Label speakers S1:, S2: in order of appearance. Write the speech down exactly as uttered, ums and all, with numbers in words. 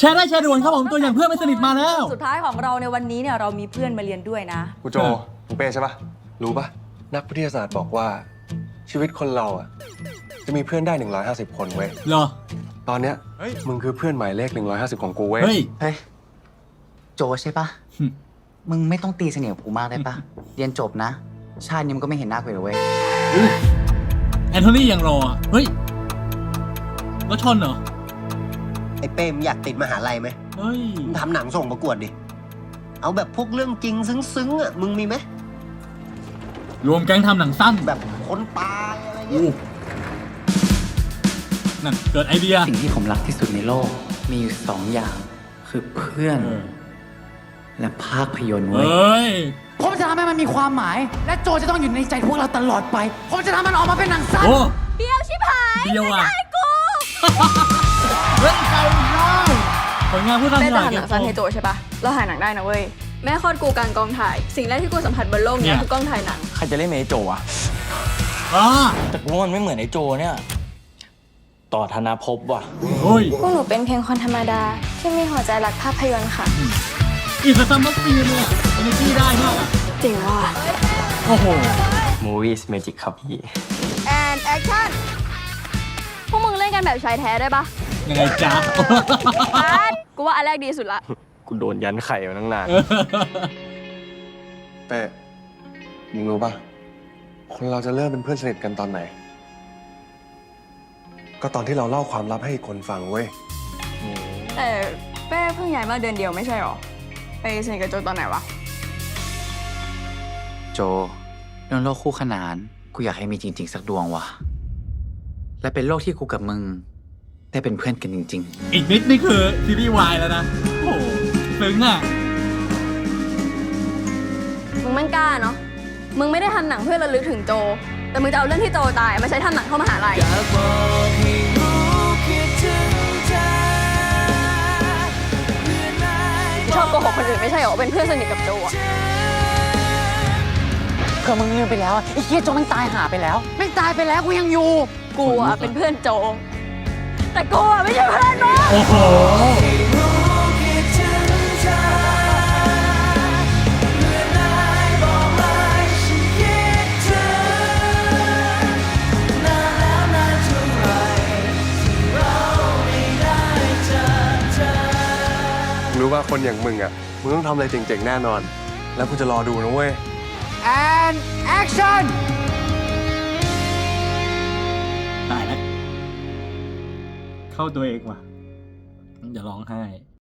S1: ชร์ได้แชร์ด่วนครับผมตัวอย่างเพื่อนไม่สนิทมาแล้ว
S2: สุดท้ายของเราในวันนี้เนี่ยเรามีเพื่อนมาเรียนด้วยนะ
S3: กูโจมึงเป้ใช่ปะรู้ปะนักวิทยาศาสตร์บอกว่าชีวิตคนเราอ่ะจะมีเพื่อนได้หนึ่งร้อยห้าสิบคนเว้ย
S1: เหรอ
S3: ตอนเนี้ยมึงคือเพื่อนหมายเลขหนึ่งร้อยห้าสิบของกูเว้ย
S1: เฮ้ย
S4: เฮ้ยโจใช่ปะมึงไม่ต้องตีเสนียดกูมากได้ปะเรียนจบนะชาตินี้มันก็ไม่เห็นหน้ากูเลยเว้ย
S1: แอนโทนียังรอเฮ้ยแล้วชนเหรอ
S5: ไอ้เป้มอยากติดมหาลัยไหม
S1: เฮ้ย
S5: มึงทำหนังส่งประกวดดิเอาแบบพวกเรื่องจริงซึ้งๆอ่ะมึงมีไหม
S1: รวมแก๊งทำหนังสั้น
S5: แบบคนตายอะไรเงี้ย
S1: นั่นเกิดไอเดีย
S4: สิ่งที่ผมรักที่สุดในโลกมีอยู่สองอย่างคือเพื่อนและภาพยนตร์เว้ยผมจะทำให้มันมีความหมายและโจจะต้องอยู่ในใจพวกเราตลอดไปผมจะทำมันออกมาเป็นหนังสั้น
S2: เดียวชิบหาย
S1: เดียวอ่ะ
S2: ไม่ได้กู
S1: เฮ้ยใครได้ผลงานผู้ทำหนัง
S2: แม่จะทำหนังสั้นให้โจใช่ปะเราถ่ายหนังได้นะเว้ยแม่คลอดกูกลางกองถ่ายสิ่งแรกที่กูสัมผัสบนโลกนี้คือกล้องถ่ายหนัง
S6: ใครจะเล่นเป็นไอ้โจอะแต่กูว่ามันไม่เหมือนไอ้โจเนี่ยต่อธนาภพว่ะ
S1: เฮ้ย
S7: พวกหนูเป็นเพียงคนธรรมดาที่มีหัวใจรักภาพยนตร์ค่ะ
S1: อีกซัมเมอร์ฟีเนี่ยเอเนจีได้มาก
S7: จริงว่ะ
S1: โอ้โห
S6: Movies Magic ครับพี่
S2: and action พวกมึงเล่นกันแบบชายแท้ได้ปะ
S1: ยังไงจ๊ะ
S2: กูว่าอันแรกดีสุดละ
S6: กูโดนยันไข่มาตั้งนาน
S3: เป้มึงรู้ปะคนเราจะเริ่มเป็นเพื่อนสนิทกันตอนไหนก็ตอนที่เราเล่าความลับให้อีกคนฟังเว้ย
S2: แต่เป้เพิ่งย้ายมาเดือนเดียวไม่ใช่หรอไปสนิทกับโจตอนไหนวะ
S4: โจเรื่องโลกคู่ขนานกูอยากให้มีจริงๆสักดวงว่ะและเป็นโลกที่กูกับมึงได้เป็นเพื่อนกันจริงๆ
S1: อีกนิดนี่คือซีรีส์วายแล้วนะโอ้โหซึ้งอ่ะ
S2: มึงมันกล้าเนาะมึงไม่ได้ทำหนังเพื่อระลึกถึงโจแต่มึงจะเอาเรื่องที่โจตายมาใช้ทำหนังเข้ามหาลัยชอบโกหกคนอื่นไม่ใช่หรอเป็นเพื่อนสนิทกับโจอะ
S4: เพื่อมึงลืมไปแล้วไอ้เหี้ยโจมันตายหาไปแล้วไม่ตายไปแล้วกูยังอยู่
S2: กูอะเป็นเพื่อนโจแต่กูอะไม่ใช่เพื่อนมึง
S1: โอ้โห
S3: รู้ว่าคนอย่างมึงอ่ะมึงต้องทำอะไรเจ๋งๆแน่นอนแล้วกูจะรอดูนะเว้ย
S4: and action
S1: ตายแล้วเข้าตัวเองว่ะอย่าร้องไห้